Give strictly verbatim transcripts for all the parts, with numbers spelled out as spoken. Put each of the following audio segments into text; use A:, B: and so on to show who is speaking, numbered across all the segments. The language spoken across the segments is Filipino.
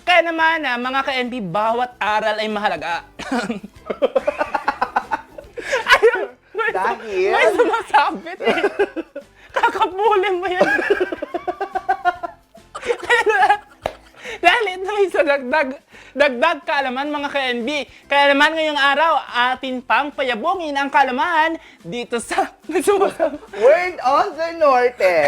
A: Kaya naman, ah, mga ka-N B, bawat aral ay mahalaga. Ayun, may,
B: Dahil?
A: may sumasabit eh. Kakapulin mo yan. Dahil ito ay sa dagdag, dagdag kaalaman mga ka-N B. Kaya naman ngayong araw, atin pang payabungin ang kaalaman dito sa...
B: Word of the Norte.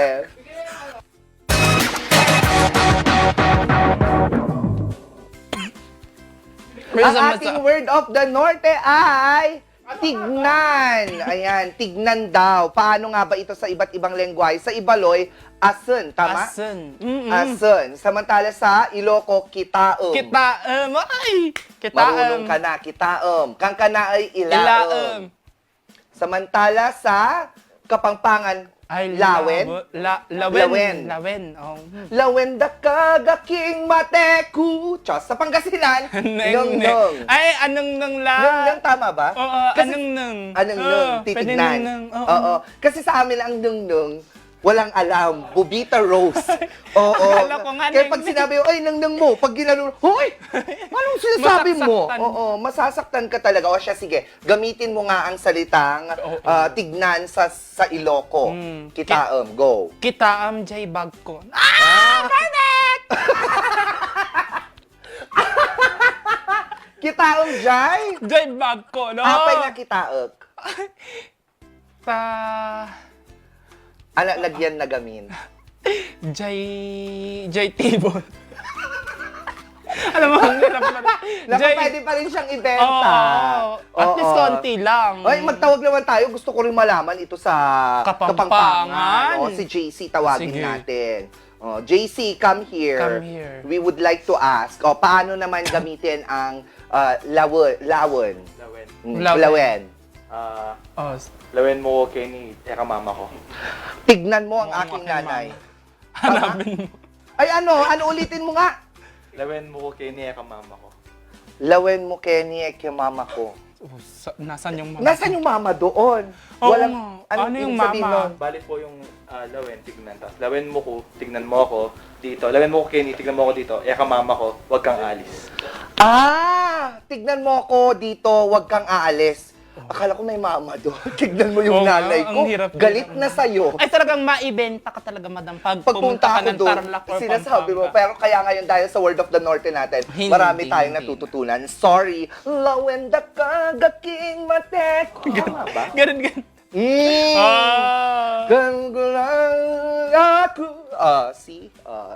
B: Ang ating word of the Norte ay tignan. Ayan, tignan daw. Paano nga ba ito sa iba't ibang lengguwahe? Sa Ibaloy, asun, tama?
A: Asun. Mm-mm.
B: Asun. Samantala sa Iloco, kitaom.
A: Kitaam. Ay! Kitaam.
B: Marunong ka na, kitaom. Kang kana ay ilaom.
A: Ilaam.
B: Samantala sa Kapampangan,
A: Ay,
B: lawen.
A: labo- La, lawen.
B: Lawen.
A: Lawen. Oh.
B: Lawen da kagaking mateku. Diyos, sa Pangasinan, nung nung.
A: Ay, anong nang la...
B: Nung nung, tama ba?
A: Oo,
B: Kasi-
A: anong nang.
B: Anong nung,
A: Oo, pwede
B: titignan.
A: nung nung. Oo.
B: Oo. Kasi sa amin ang nung nung, walang alam. Bubita Rose. Oo.
A: Akala ko nga
B: Kaya
A: nung-
B: pag sinabi, ay, nung nung mo, pag ginano, hoy! Anong sinasabi mo?
A: Masasaktan.
B: Oo, masasaktan ka talaga. O siya, sige, gamitin mo nga ang salitang
A: Oo.
B: ah, tignan sa sa Iloco.
A: Mm.
B: Kitaom, go.
A: Kitaam jay bag ko. Ah! Perfect!
B: Kitaom, Jai?
A: Jay bag ko, no?
B: Apay nga kitaok.
A: Ta...
B: Ano, lagyan na gamin.
A: Jay... Jay table. Alam mo, ang hirap na.
B: Naku, pwede pa rin siyang
A: Oo.
B: ibenta.
A: At least
B: Oo.
A: konti lang.
B: Ay, magtawag naman tayo. Gusto ko rin malaman ito sa
A: Kapampangan.
B: O, si J C tawagin
A: Sige.
B: natin. O, J C, come here.
A: Come here.
B: We would like to ask, o, paano naman gamitin ang uh, lawon? Lawon.
C: Lawen.
B: Mm,
A: Lawen.
B: Lawen.
C: Ah,
A: Oh,
C: lawen mo ko Kenny, eka mama ko.
B: Tignan mo ang
A: Mukhang
B: aking
A: aking
B: nanay.
A: hanapin mo.
B: Ay, ano? Ano ulitin mo nga?
C: Lawen mo ko Kenny, eka mama ko.
B: Lawen mo, Kenny, eh, kay mama ko.
A: Oh, sa, nasan yung mga...
B: Nasaan yung mama doon?
A: Oo
B: Walang,
A: nga. Ano
B: ibig
A: yung
B: sabihin
A: mama?
B: nun?
C: Bali po yung ah, lawen, tignan. Tapos lawen mo ko, tignan mo ako dito. Lawen mo ko Kenny, tignan mo ako dito. Eka mama ko, wag kang alis.
B: Ah! Tignan mo ako dito, wag kang aalis. Akala ko may mama doon. Tignan mo yung
A: Oo nga,
B: nanay ko.
A: ang hirap-
B: Galit
A: hirap
B: na sa'yo.
A: Ay, talagang maibenta ka talaga, madam. Pag
B: Pag
A: pumunta
B: punta
A: ka
B: ako
A: ng
B: doon,
A: Tarlac or
B: sinasabi mo,
A: Pampanga.
B: pero kaya ngayon dahil sa Word of the Norte natin,
A: Hindi,
B: marami tayong
A: hindi.
B: natututunan. Sorry. Lawenda kagaking mate. Tama ba?
A: Ganun, ganun.
B: Mm.
A: Ah!
B: Ganun ko lang ako. Ah, see? Ah,